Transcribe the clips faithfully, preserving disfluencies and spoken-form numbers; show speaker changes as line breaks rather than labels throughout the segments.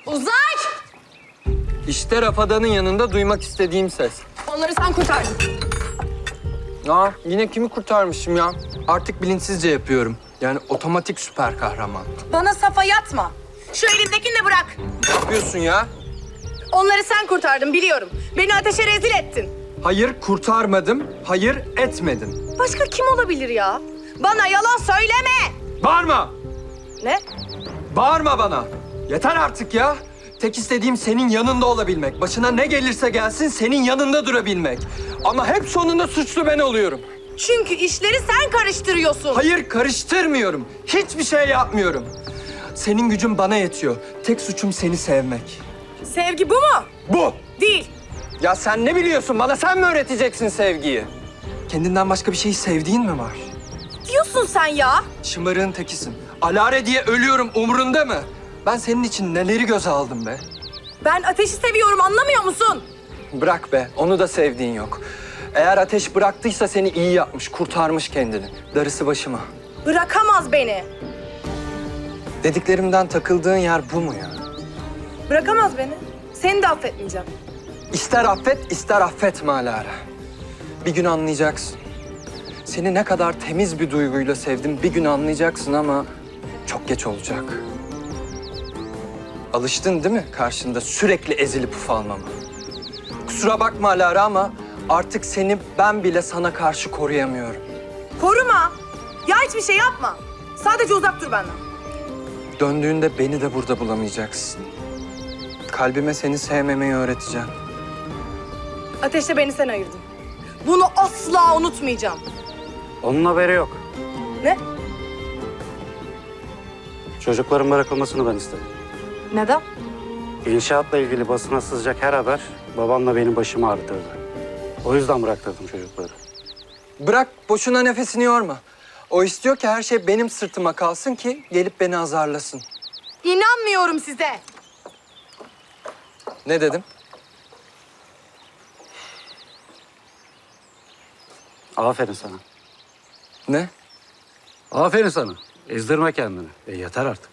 Uzay!
İşte Rafadan'ın yanında duymak istediğim ses.
Onları sen kurtardın.
Aa, yine kimi kurtarmışım ya? Artık bilinçsizce yapıyorum. Yani otomatik süper kahraman.
Bana safa yatma. Şu elindekini de bırak.
Ne yapıyorsun ya?
Onları sen kurtardın biliyorum. Beni ateşe rezil ettin.
Hayır kurtarmadım, hayır etmedim.
Başka kim olabilir ya? Bana yalan söyleme.
Bağırma!
Ne?
Bağırma bana! Yeter artık ya! Tek istediğim senin yanında olabilmek. Başına ne gelirse gelsin senin yanında durabilmek. Ama hep sonunda suçlu ben oluyorum.
Çünkü işleri sen karıştırıyorsun.
Hayır karıştırmıyorum. Hiçbir şey yapmıyorum. Senin gücün bana yetiyor. Tek suçum seni sevmek.
Sevgi bu mu?
Bu!
Değil.
Ya sen ne biliyorsun? Bana sen mi öğreteceksin sevgiyi? Kendinden başka bir şeyi sevdiğin mi var?
Diyorsun sen ya.
Şımarığın tekisin. Alare diye ölüyorum umurunda mı? Ben senin için neleri göze aldım be?
Ben ateşi seviyorum anlamıyor musun?
Bırak be, onu da sevdiğin yok. Eğer ateş bıraktıysa seni iyi yapmış, kurtarmış kendini. Darısı başıma.
Bırakamaz beni.
Dediklerimden takıldığın yer bu mu ya?
Bırakamaz beni. Seni de affetmeyeceğim.
İster affet, ister affetme Alara. Bir gün anlayacaksın. Seni ne kadar temiz bir duyguyla sevdim bir gün anlayacaksın ama çok geç olacak. Alıştın değil mi karşında sürekli ezilip ufalmama? Kusura bakma Alara ama artık seni ben bile sana karşı koruyamıyorum.
Koruma. Ya hiçbir şey yapma. Sadece uzak dur benden.
Döndüğünde beni de burada bulamayacaksın. Kalbime seni sevmemeyi öğreteceğim.
Ateşle beni sen ayırdın. Bunu asla unutmayacağım.
Onun haberi yok.
Ne?
Çocukların bırakılmasını ben istedim.
Neden?
İnşaatla ilgili basına sızacak her haber babamla benim başımı ağrıtırdı. O yüzden bıraktırdım çocukları.
Bırak boşuna nefesini yorma. O istiyor ki her şey benim sırtıma kalsın ki gelip beni azarlasın.
İnanmıyorum size.
Ne dedim?
Aferin sana.
Ne?
Aferin sana. Ezdirme kendini. E yeter artık.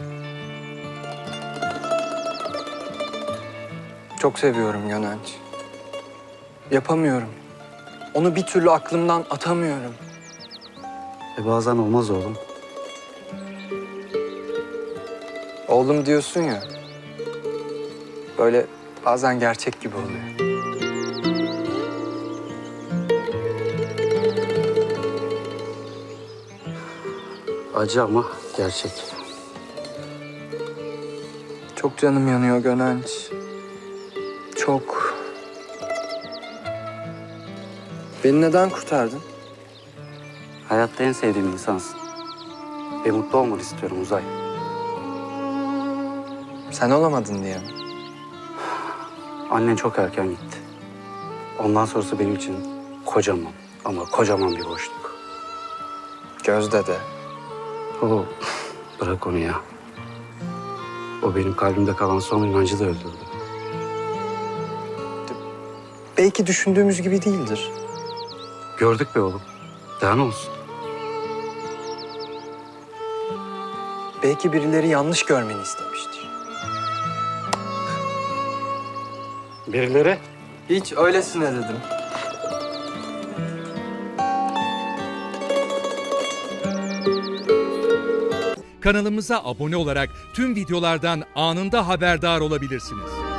Çok seviyorum Gönenç. Yapamıyorum. Onu bir türlü aklımdan atamıyorum.
E bazen olmaz oğlum.
Oğlum diyorsun ya. Böyle bazen gerçek gibi oluyor.
Acı ama gerçek.
Çok canım yanıyor Gönenç. Çok. Beni neden kurtardın?
Hayatta en sevdiğim insansın. Ve mutlu olmanı istiyorum Uzay.
Sen olamadın diye mi?
Annen çok erken gitti. Ondan sonrası benim için kocaman ama kocaman bir boşluk.
Gözde de.
Oo, bırak onu ya. O benim kalbimde kalan son inancı da öldürdü.
Belki düşündüğümüz gibi değildir.
Gördük be oğlum. Daha ne olsun?
Belki birileri yanlış görmeni istemiştir.
Birileri?
Hiç öylesine dedim.
Kanalımıza abone olarak tüm videolardan anında haberdar olabilirsiniz.